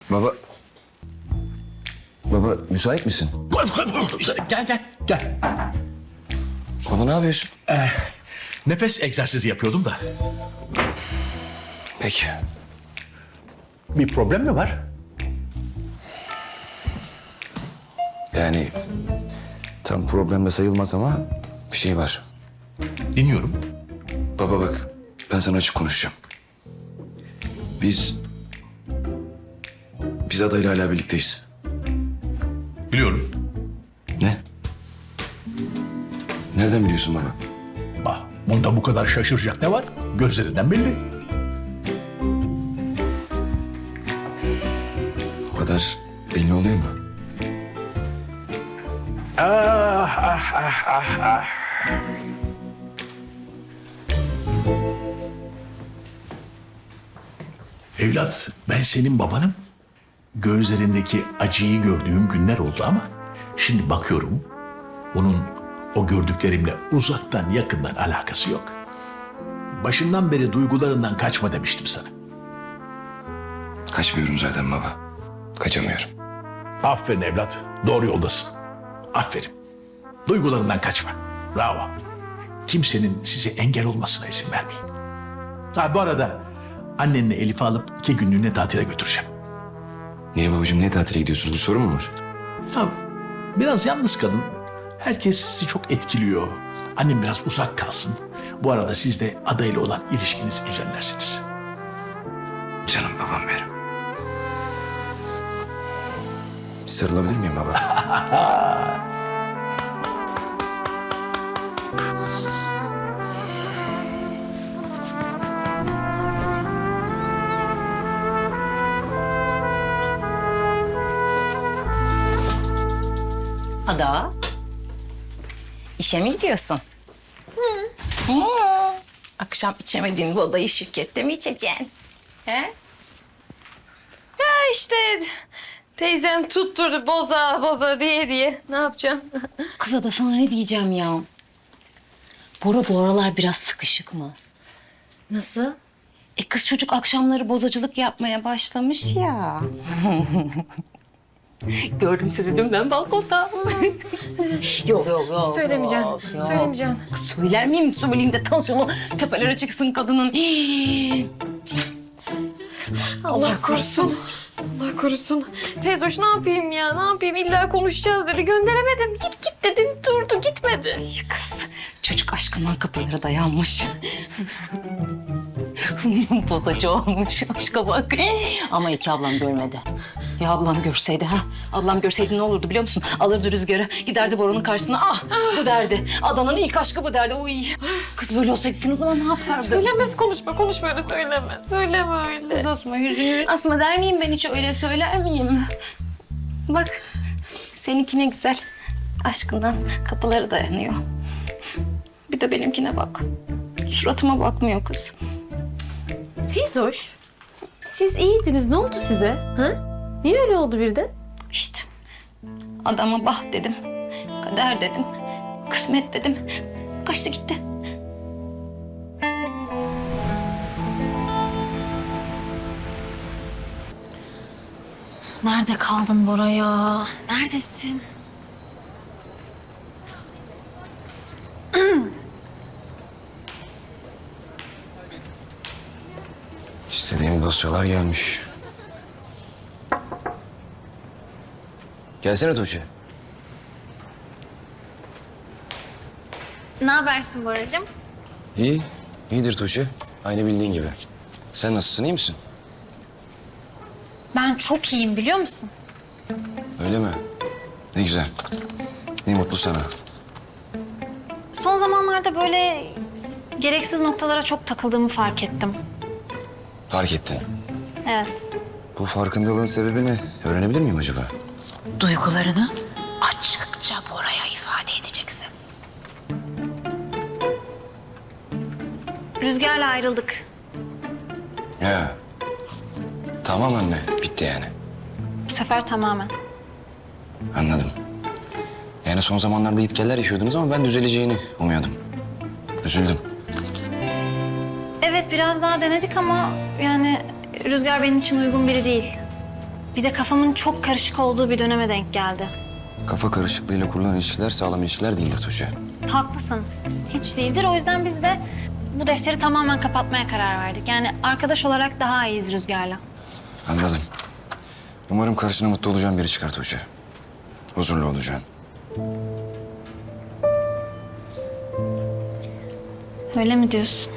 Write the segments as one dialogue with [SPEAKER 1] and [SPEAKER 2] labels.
[SPEAKER 1] Baba... Baba müsait misin?
[SPEAKER 2] Gel.
[SPEAKER 1] Baba ne yapıyorsun?
[SPEAKER 2] Nefes egzersizi yapıyordum da.
[SPEAKER 1] Peki.
[SPEAKER 2] Bir problem mi var?
[SPEAKER 1] Yani tam problemde sayılmaz ama bir şey var.
[SPEAKER 2] Dinliyorum.
[SPEAKER 1] Baba bak ben sana açık konuşacağım. Biz adayla hala birlikteyiz.
[SPEAKER 2] Biliyorum.
[SPEAKER 1] Ne? Nereden biliyorsun baba?
[SPEAKER 2] Bak, bunda bu kadar şaşıracak ne var? Gözlerinden belli.
[SPEAKER 1] O kadar belli oluyor mu?
[SPEAKER 2] Evlat, ben senin babanım. Gözlerindeki acıyı gördüğüm günler oldu ama şimdi bakıyorum bunun o gördüklerimle uzaktan yakından alakası yok. Başından beri duygularından kaçma demiştim sana.
[SPEAKER 1] Kaçmıyorum zaten baba. Kaçamıyorum.
[SPEAKER 2] Aferin evlat, doğru yoldasın. Aferin. Duygularından kaçma. Bravo. Kimsenin size engel olmasına izin vermeyin. Ha bu arada annenle Elif'i alıp 2 günlüğüne tatile götüreceğim.
[SPEAKER 1] Niye babacığım niye tatile gidiyorsunuz? Bir sorun mu var?
[SPEAKER 2] Ha, biraz yalnız kalın. Herkes sizi çok etkiliyor. Annem biraz uzak kalsın. Bu arada siz de adayla olan ilişkinizi düzenlersiniz.
[SPEAKER 1] Canım babam benim. Sarılabilir miyim baba?
[SPEAKER 3] Ada, işe mi gidiyorsun? Hı. Akşam içemediğin bu odayı şirkette mi içeceksin? He?
[SPEAKER 4] Ya işte teyzem tutturdu boza diye. Ne yapacağım?
[SPEAKER 3] Kız Ada sana ne diyeceğim ya? Bora bu aralar biraz sıkışık mı?
[SPEAKER 4] Nasıl?
[SPEAKER 3] Kız çocuk akşamları bozacılık yapmaya başlamış ya. Gördüm sizi dün ben balkonda. yok.
[SPEAKER 4] Söylemeyeceğim.
[SPEAKER 3] yok.
[SPEAKER 4] Söylemeyeceğim.
[SPEAKER 3] Kız söyler miyim? Söyleyeyim de tansiyonu tepelere çıksın kadının.
[SPEAKER 4] Allah korusun. Allah korusun. Teyzoş ne yapayım ya? Ne yapayım? İlla konuşacağız dedi. Gönderemedim. Git dedim. Durdu gitmedi.
[SPEAKER 3] Kız çocuk aşkından kapılara dayanmış. Bozacı olmuş aşka bak. Ama iki ablam görmedi. Ya ablam görseydi ha? Ablam görseydi ne olurdu biliyor musun? Alırdı rüzgarı, giderdi Bora'nın karşısına. Ah bu derdi. Adana'nın ilk aşkı bu derdi. Oy. Kız böyle olsaydı sen o zaman ne yapardın?
[SPEAKER 4] Söylemez konuşma öyle söyleme. Söyleme öyle.
[SPEAKER 3] Kız asma yüzünü. Asma der miyim ben hiç öyle söyler miyim? Bak seninki ne güzel. Aşkından kapıları dayanıyor. Bir de benimkine bak. Suratıma bakmıyor kız.
[SPEAKER 4] Teyzoş, siz iyiydiniz. Ne oldu size? Ha? Niye öyle oldu birden?
[SPEAKER 3] İşte adama bah dedim, kader dedim, kısmet dedim. Kaçtı gitti.
[SPEAKER 4] Nerede kaldın Bora ya? Neredesin?
[SPEAKER 1] İstediğim dosyalar gelmiş. Gelsene Tuğçe.
[SPEAKER 5] Ne habersin Boracığım?
[SPEAKER 1] İyi, iyidir Tuğçe. Aynı bildiğin gibi. Sen nasılsın, iyi misin?
[SPEAKER 5] Ben çok iyiyim biliyor musun?
[SPEAKER 1] Öyle mi? Ne güzel. Ne mutlu sana.
[SPEAKER 5] Son zamanlarda böyle gereksiz noktalara çok takıldığımı fark ettim.
[SPEAKER 1] Fark ettin.
[SPEAKER 5] Evet.
[SPEAKER 1] Bu farkındalığın sebebi ne? Öğrenebilir miyim acaba?
[SPEAKER 3] Duygularını açıkça Bora'ya ifade edeceksin.
[SPEAKER 5] Rüzgar'la ayrıldık.
[SPEAKER 1] Ya. Tamam anne, bitti yani.
[SPEAKER 5] Bu sefer tamamen.
[SPEAKER 1] Anladım. Yani son zamanlarda gitgeller yaşıyordunuz ama ben düzeleceğini umuyordum. Üzüldüm.
[SPEAKER 5] Evet biraz daha denedik ama yani Rüzgar benim için uygun biri değil. Bir de kafamın çok karışık olduğu bir döneme denk geldi.
[SPEAKER 1] Kafa karışıklığıyla kurulan ilişkiler sağlam ilişkiler değildir Tuğçe.
[SPEAKER 5] Haklısın. Hiç değildir. O yüzden biz de bu defteri tamamen kapatmaya karar verdik. Yani arkadaş olarak daha iyiyiz Rüzgar'la.
[SPEAKER 1] Anladım. Umarım karşına mutlu olacağın biri çıkar Tuğçe. Huzurlu olacaksın.
[SPEAKER 5] Öyle mi diyorsun?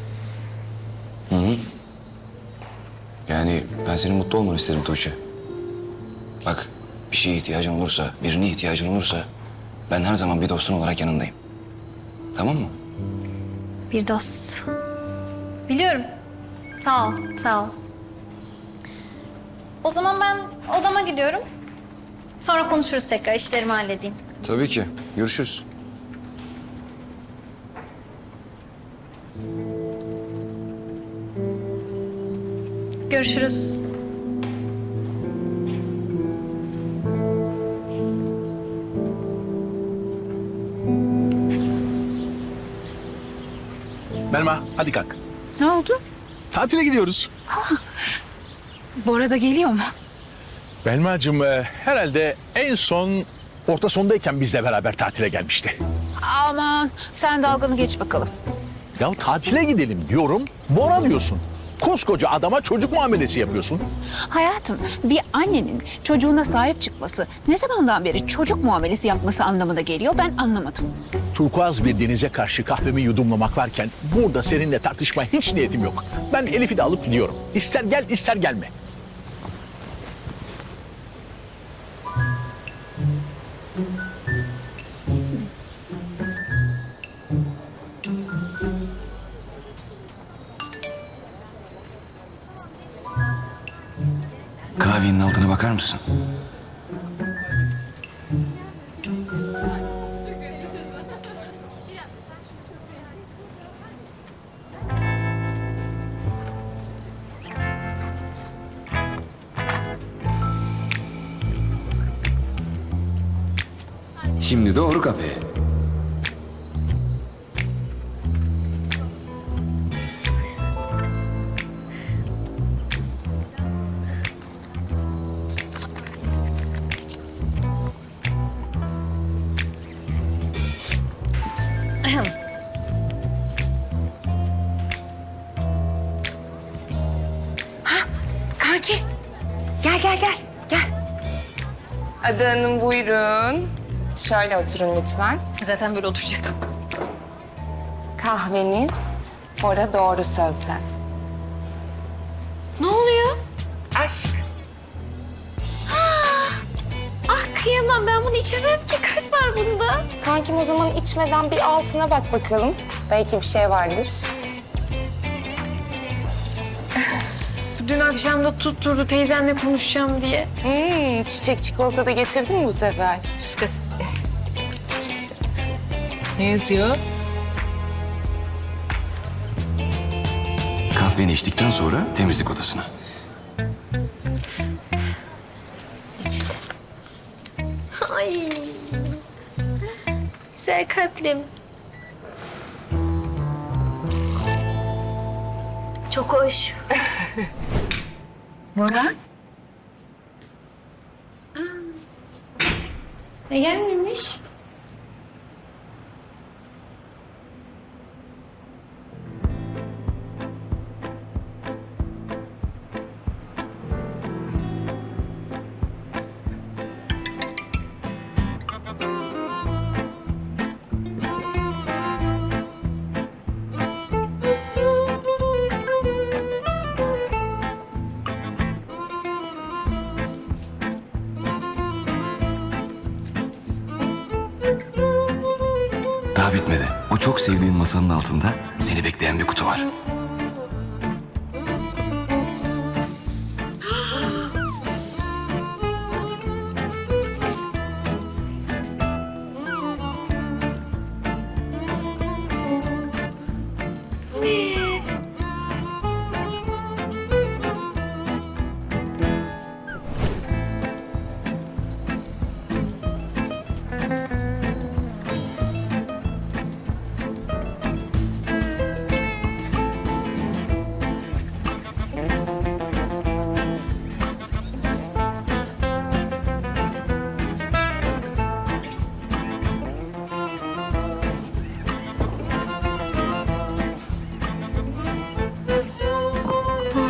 [SPEAKER 1] Yani ben senin mutlu olmanı isterim Tuğçe. Bak, bir şeye ihtiyacın olursa, birine ihtiyacın olursa ben her zaman bir dostun olarak yanındayım. Tamam mı?
[SPEAKER 5] Bir dost. Biliyorum. Sağ ol, sağ ol. O zaman ben odama gidiyorum. Sonra konuşuruz tekrar. İşlerimi halledeyim.
[SPEAKER 1] Tabii ki. Görüşürüz.
[SPEAKER 5] Görüşürüz.
[SPEAKER 2] Belma hadi kalk.
[SPEAKER 6] Ne oldu?
[SPEAKER 2] Tatile gidiyoruz.
[SPEAKER 6] Bora da geliyor mu?
[SPEAKER 2] Belma'cığım herhalde en son orta sondayken bizle beraber tatile gelmişti.
[SPEAKER 6] Aman sen dalganı geç bakalım.
[SPEAKER 2] Ya tatile gidelim diyorum, Bora diyorsun. Koskoca adama çocuk muamelesi yapıyorsun.
[SPEAKER 6] Hayatım, bir annenin çocuğuna sahip çıkması ne zamandan beri çocuk muamelesi yapması anlamına geliyor ben anlamadım.
[SPEAKER 2] Turkuaz bir denize karşı kahvemi yudumlamak varken burada seninle tartışmaya hiç niyetim yok. Ben Elif'i de alıp gidiyorum. İster gel ister gelme.
[SPEAKER 1] Klavyenin altına bakar mısın? Şimdi doğru kafeye.
[SPEAKER 4] Kanki. Gel.
[SPEAKER 7] Ada Hanım buyurun. Şöyle oturun lütfen.
[SPEAKER 4] Zaten böyle oturacaktım.
[SPEAKER 7] Kahveniz, Bora doğru sözler.
[SPEAKER 4] Ne oluyor?
[SPEAKER 7] Aşk.
[SPEAKER 4] Ah kıyamam ben bunu içemem ki. Kalp var bunda.
[SPEAKER 7] Kankim o zaman içmeden bir altına bak bakalım. Belki bir şey vardır.
[SPEAKER 4] Dün akşam da tutturdu teyzenle konuşacağım diye.
[SPEAKER 7] Çiçek çikolata da getirdin mi bu sefer?
[SPEAKER 4] Sus kız.
[SPEAKER 7] Ne yazıyor?
[SPEAKER 1] Kahveni içtikten sonra temizlik odasına.
[SPEAKER 4] Ay. Güzel kalplim. Çok hoş.
[SPEAKER 6] Bora?
[SPEAKER 4] Ne gelmemiş?
[SPEAKER 1] Daha bitmedi. O çok sevdiğin masanın altında seni bekleyen bir kutu var.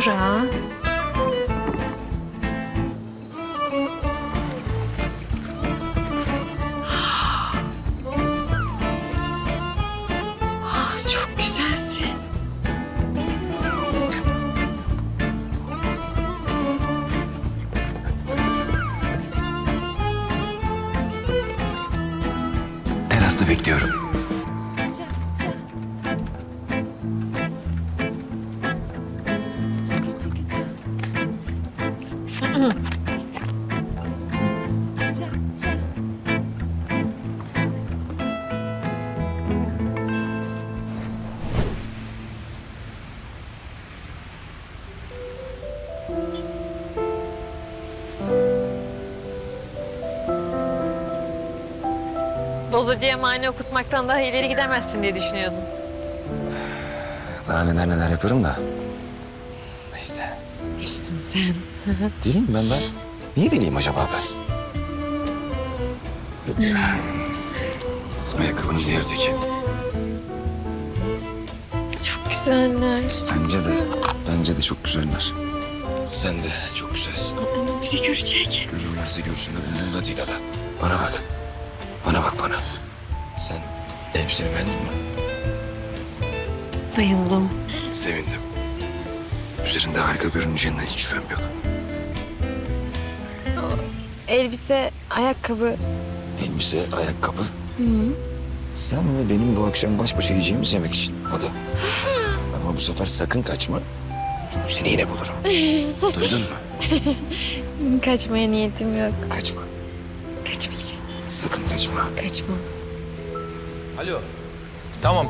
[SPEAKER 4] Bora. Ah, çok güzelsin.
[SPEAKER 1] Terasta bekliyorum.
[SPEAKER 4] Bozacıya mani okutmaktan daha ileri gidemezsin diye düşünüyordum.
[SPEAKER 1] Daha neler yaparım da. Neyse.
[SPEAKER 4] Delisin sen.
[SPEAKER 1] Deliyim ben. Niye deliyim acaba ben? Ayakkabının diğer teki.
[SPEAKER 4] Çok güzeller.
[SPEAKER 1] Bence de çok güzeller. Sen de çok güzelsin.
[SPEAKER 4] Ama biri görecek.
[SPEAKER 1] Görürlerse görsünler, umurumda değil Ada. Bana bak. Bana bak bana. Sen elbiseni beğendin mi?
[SPEAKER 4] Bayıldım.
[SPEAKER 1] Sevindim. Üzerinde harika görüneceğinden hiç şüphem yok.
[SPEAKER 4] Elbise, ayakkabı.
[SPEAKER 1] Elbise, ayakkabı. Sen ve benim bu akşam baş başa yiyeceğimiz yemek için Ada. Ama bu sefer sakın kaçma. Çünkü seni yine bulurum. Duydun mu?
[SPEAKER 4] Kaçmaya niyetim yok.
[SPEAKER 1] Kaçma.
[SPEAKER 4] Kaçmayacağım.
[SPEAKER 1] Sakın kaçma.
[SPEAKER 4] Kaçmam.
[SPEAKER 8] Alo. Tamam.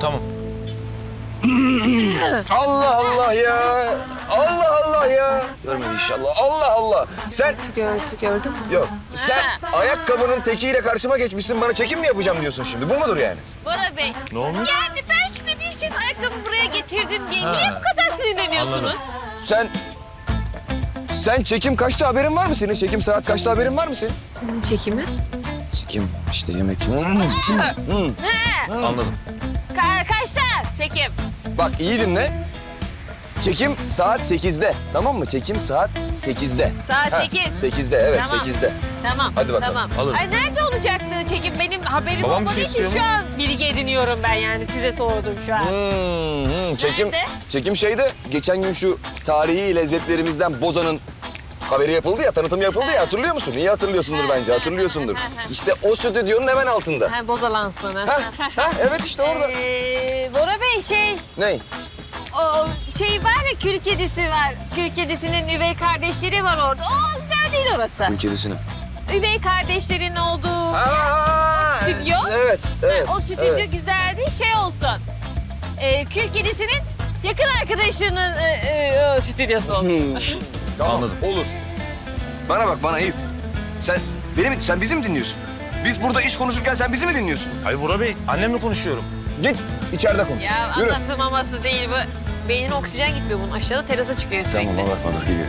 [SPEAKER 1] Allah Allah ya. Allah Allah ya. Görmedi inşallah. Allah Allah. Sen
[SPEAKER 4] Gördün mü?
[SPEAKER 1] yok. Sen ayakkabının tekiyle karşıma geçmişsin. Bana çekim mi yapacağım diyorsun şimdi? Bu mudur yani?
[SPEAKER 5] Bora Bey,
[SPEAKER 8] Ne olmuş?
[SPEAKER 5] yani ben şimdi bir çift ayakkabı buraya getirdim diye niye bu kadar sinirleniyorsunuz?
[SPEAKER 8] Anladım.
[SPEAKER 1] Sen çekim kaçta haberin var mı senin? Çekim saat kaçta haberin var mı senin?
[SPEAKER 4] Çekimi?
[SPEAKER 1] Çekim işte yemek.
[SPEAKER 8] Anladım.
[SPEAKER 5] Kaçta çekim?
[SPEAKER 1] Bak iyi dinle. Çekim saat 8'de. Tamam mı? Çekim saat 8'de.
[SPEAKER 5] Saat
[SPEAKER 1] Ha,
[SPEAKER 5] 8.
[SPEAKER 1] 8'de evet
[SPEAKER 5] Tamam.
[SPEAKER 1] 8'de.
[SPEAKER 5] Tamam.
[SPEAKER 1] Hadi bakalım,
[SPEAKER 5] Tamam.
[SPEAKER 8] alırım.
[SPEAKER 5] Ay nerede olacaktı çekim? Benim haberim
[SPEAKER 8] Babam bir
[SPEAKER 5] olmadığı
[SPEAKER 8] şey
[SPEAKER 5] için
[SPEAKER 8] istiyor
[SPEAKER 5] şu
[SPEAKER 8] mu?
[SPEAKER 5] an bilgi ediniyorum ben yani. Size sordum şu an.
[SPEAKER 1] Çekim,
[SPEAKER 5] Nerede?
[SPEAKER 1] çekim şeyde geçen gün şu tarihi lezzetlerimizden Boza'nın haberi yapıldı ya, tanıtım yapıldı ya. Hatırlıyor musun? İyi hatırlıyorsundur bence, hatırlıyorsundur. İşte o stüdyonun hemen altında.
[SPEAKER 4] Ha, boza lansmanı.
[SPEAKER 1] Ha, evet işte orada.
[SPEAKER 5] Bora Bey
[SPEAKER 1] Ne?
[SPEAKER 5] o şey var ya kül kedisi var. Kül kedisinin üvey kardeşleri var orada. O güzel değil orası.
[SPEAKER 1] Kül kedisini.
[SPEAKER 5] Üvey kardeşlerin olduğu stüdyo.
[SPEAKER 1] Evet, evet.
[SPEAKER 5] O stüdyo
[SPEAKER 1] evet.
[SPEAKER 5] güzel değil şey olsun. Kül kedisinin yakın arkadaşının stüdyosu olsun.
[SPEAKER 1] Tamam,
[SPEAKER 8] Anladım.
[SPEAKER 1] olur. Bana bak, bana Eyüp. Sen bizi mi dinliyorsun? Biz burada iş konuşurken sen bizi mi dinliyorsun?
[SPEAKER 8] Hayır Bora Bey, annemle konuşuyorum.
[SPEAKER 1] Git, içeride konuş.
[SPEAKER 5] Ya
[SPEAKER 1] Yürü.
[SPEAKER 5] anlatılmaması değil bu. Beynin oksijen gitmiyor bunun. Aşağıda terasa çıkıyor sürekli.
[SPEAKER 1] Tamam, bakma dur, geliyor.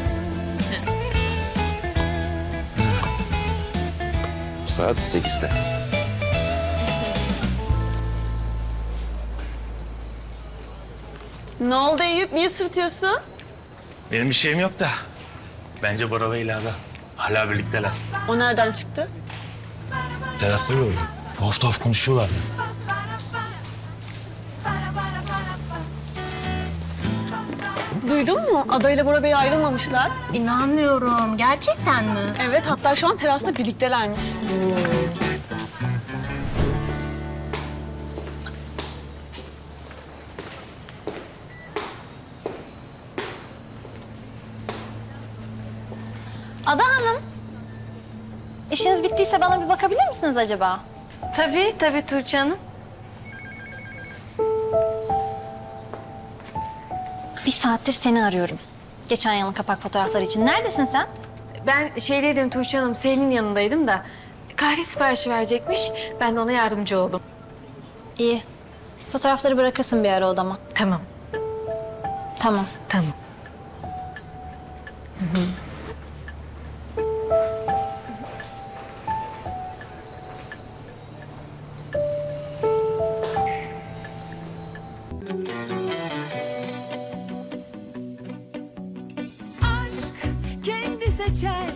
[SPEAKER 1] Saat 8'de.
[SPEAKER 9] Ne oldu Eyüp? Niye sırtıyorsun?
[SPEAKER 8] Benim bir şeyim yok da. Bence Bora Bey ile Ada hala birlikteler.
[SPEAKER 9] O nereden çıktı?
[SPEAKER 8] Terasta gördüm. Tuhaf konuşuyorlardı.
[SPEAKER 9] Duydun mu? Ada ile Bora Bey ayrılmamışlar.
[SPEAKER 10] İnanmıyorum. Gerçekten mi?
[SPEAKER 9] Evet, hatta şu an terasta birliktelermiş.
[SPEAKER 5] Ada Hanım. İşiniz bittiyse bana bir bakabilir misiniz acaba?
[SPEAKER 4] Tabii Tuğçe Hanım.
[SPEAKER 5] Bir saattir seni arıyorum. Geçen yılın kapak fotoğrafları için. Neredesin sen?
[SPEAKER 4] Ben şeydeydim Tuğçe Hanım, Selin'in yanındaydım da kahve siparişi verecekmiş. Ben de ona yardımcı oldum.
[SPEAKER 5] İyi. Fotoğrafları bırakırsın bir ara odama.
[SPEAKER 4] Tamam.
[SPEAKER 5] Tamam.
[SPEAKER 11] seçer